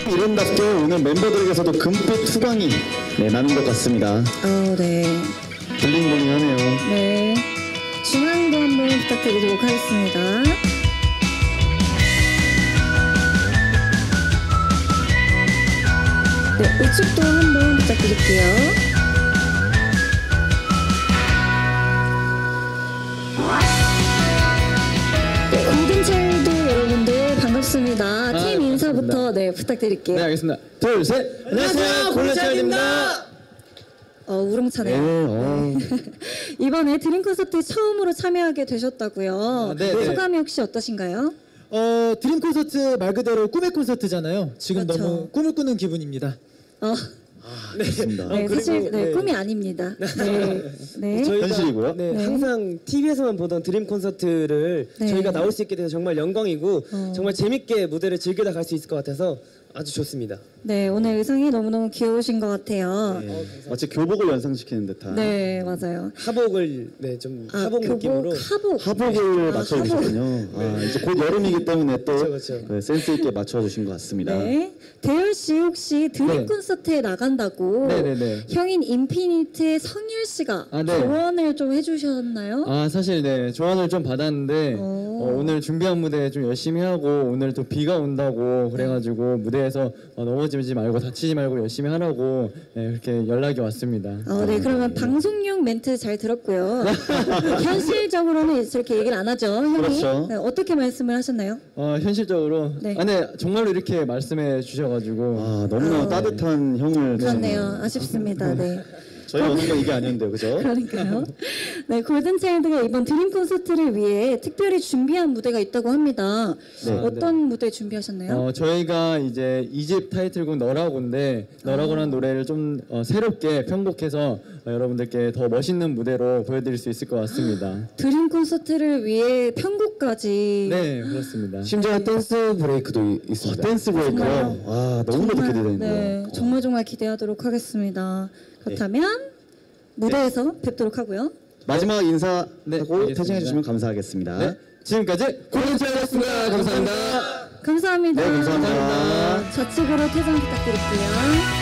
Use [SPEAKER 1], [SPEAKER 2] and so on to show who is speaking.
[SPEAKER 1] 이름답게 오늘 멤버들에게서도 금빛 투광이 나는 것 같습니다.
[SPEAKER 2] 네.
[SPEAKER 1] 블링블링하네요.
[SPEAKER 2] 네. 중앙도 한번 부탁드리도록 하겠습니다. 네, 우측도 한번 부탁드릴게요. 네, 골든차일드 여러분들 반갑습니다. 팀 인사부터 부탁드릴게요.
[SPEAKER 3] 네, 알겠습니다. 둘, 셋. 안녕하세요, 골든차일드입니다.
[SPEAKER 2] 우렁차네요. 이번에 드림 콘서트에 처음으로 참여하게 되셨다고요.
[SPEAKER 3] 네.
[SPEAKER 2] 소감이 혹시 어떠신가요?
[SPEAKER 3] 드림 콘서트 말 그대로 꿈의 콘서트잖아요. 지금
[SPEAKER 2] 그렇죠.
[SPEAKER 3] 너무 꿈을 꾸는 기분입니다.
[SPEAKER 1] 그렇습니다.
[SPEAKER 2] 네, 사실 꿈이 아닙니다. 네.
[SPEAKER 4] 저희가
[SPEAKER 1] 현실이고요.
[SPEAKER 4] 항상 TV에서만 보던 드림 콘서트를
[SPEAKER 2] 네.
[SPEAKER 4] 저희가 나올 수 있게 돼서 정말 영광이고 정말 재밌게 무대를 즐기다 갈 수 있을 것 같아서 아주 좋습니다.
[SPEAKER 2] 네, 오늘 의상이 너무너무 귀여우신 것 같아요.
[SPEAKER 1] 마치 교복을 연상시키는 듯한
[SPEAKER 2] 네, 맞아요.
[SPEAKER 4] 하복을 좀 하복 느낌으로
[SPEAKER 1] 하복을 맞춰주셨군요. 이제 곧 여름이기 때문에 또
[SPEAKER 4] 그쵸.
[SPEAKER 1] 센스 있게 맞춰주신 것 같습니다.
[SPEAKER 2] 네. 대열 씨 혹시 드림
[SPEAKER 3] 네.
[SPEAKER 2] 콘서트에 나간다고
[SPEAKER 3] 네네네.
[SPEAKER 2] 형인 인피니트의 성일 씨가
[SPEAKER 3] 네.
[SPEAKER 2] 조언을 좀 해주셨나요?
[SPEAKER 3] 사실 조언을 좀 받았는데 오늘 준비한 무대 좀 열심히 하고 오늘 또 비가 온다고 그래가지고 무대에서 넘어지지 말고 다치지 말고 열심히 하라고 이렇게 연락이 왔습니다.
[SPEAKER 2] 네, 그러면 방송용 멘트 잘 들었고요. 현실적으로는 이렇게 얘기를 안 하죠, 형이.
[SPEAKER 1] 그렇죠.
[SPEAKER 2] 네, 어떻게 말씀을 하셨나요?
[SPEAKER 3] 현실적으로
[SPEAKER 2] 네.
[SPEAKER 3] 네, 정말로 이렇게 말씀해 주셔가지고
[SPEAKER 1] 너무나 따뜻한 형을
[SPEAKER 2] 그렇네요. 아쉽습니다. 네.
[SPEAKER 1] 저희 오는 건 이게 아니었는데요, 그죠?
[SPEAKER 2] 그러니까요. 네, 골든차일드가 이번 드림 콘서트를 위해 특별히 준비한 무대가 있다고 합니다. 어떤 무대 준비하셨나요?
[SPEAKER 3] 저희가 이제 2집 타이틀곡 너라고인데 너라고라는 노래를 좀 새롭게 편곡해서 여러분들께 더 멋있는 무대로 보여드릴 수 있을 것 같습니다.
[SPEAKER 2] 드림 콘서트를 위해 편곡까지.
[SPEAKER 3] 네, 그렇습니다.
[SPEAKER 1] 심지어 댄스 브레이크도 있습니다. 댄스 브레이크요? 너무나도 기대되는데요.
[SPEAKER 2] 네, 정말 기대하도록 하겠습니다. 그렇다면 무대에서 뵙도록 하고요.
[SPEAKER 1] 마지막 인사하고
[SPEAKER 3] 알겠습니다.
[SPEAKER 1] 퇴장해 주시면 감사하겠습니다.
[SPEAKER 3] 네, 지금까지 골든차일드였습니다. 감사합니다.
[SPEAKER 2] 감사합니다.
[SPEAKER 1] 네, 감사합니다.
[SPEAKER 2] 좌측으로 퇴장 부탁드릴게요.